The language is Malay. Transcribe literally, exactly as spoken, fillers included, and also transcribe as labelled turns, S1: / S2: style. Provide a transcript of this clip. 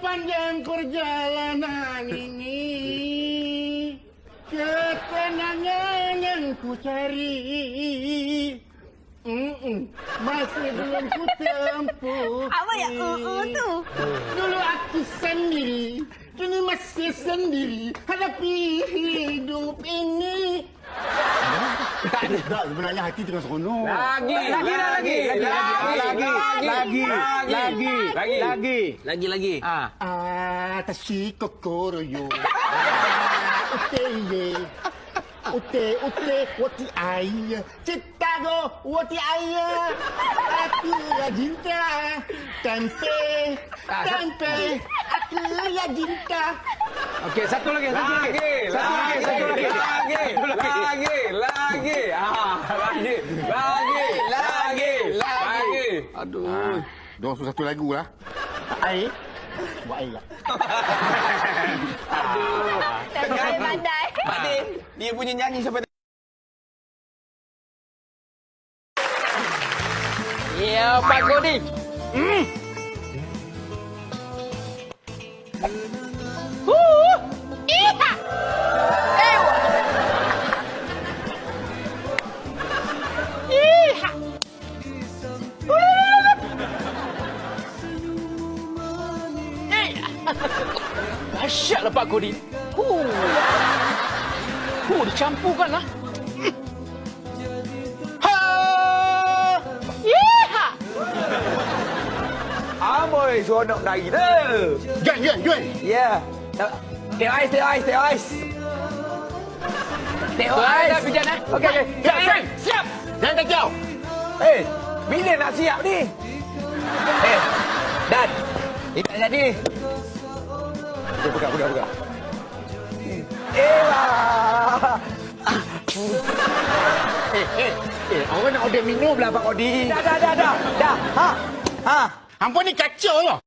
S1: Sepanjang perjalanan ini, ketenangan yang ku cari, mm-mm, masih belum ku tempuh.
S2: Apa ya uh-uh tu?
S1: Dulu aku sendiri, kini masih sendiri hadapi hidup ini. Tak ada tak sebenarnya hati tengah seronok.
S3: Lagi, lagi, lagi, lagi, lagi, lagi, lagi, lagi, lagi,
S4: Lagi lagi.
S3: Ah,
S1: Atashi kokoro yo. Ute ye. Ute ute wati ai. Cinta go wati ai. Aku ya cinta. Tempe. Tempe. Aku ya cinta.
S3: okey, satu lagi, satu lagi,
S4: Lagi,
S3: satu lagi,
S4: lagi,
S3: satu lagi,
S4: lagi, lagi, lagi, ah, lagi, lagi, lagi, lagi.
S1: Aduh. Dua ratus satu lagu lah. Ai. Buat air lah.
S2: Pandai-pandai.
S4: Pak Din, dia punya nyanyi sampai
S3: Ya, Pak Kodi.
S2: Iha. Ewa. Iha.
S3: Dahsyatlah Pak Kodi. Huh. Huh, dicampurkan lah. Ha!
S2: Iha.
S4: Amboi, seronok lagi tu.
S1: Juan, Juan, Juan.
S4: Ya. Tengok ais, tengok ais, tengok ais. Tengok
S3: Baik
S4: ais.
S3: dah, Pijan, eh?
S4: Okey, okey.
S1: Siap, Juan. Siap. Jangan kacau.
S4: Eh, bila nak siap ni? Eh, Dan. Ini tak jadi. Okey, pegang, pegang, pegang. Eh, wah.
S1: Eh, eh. Eh, orang nak order minum lah Pak Kodi.
S4: Dah, dah, dah, dah. Dah. Ha. Ha.
S1: Hampa ni kacau lah.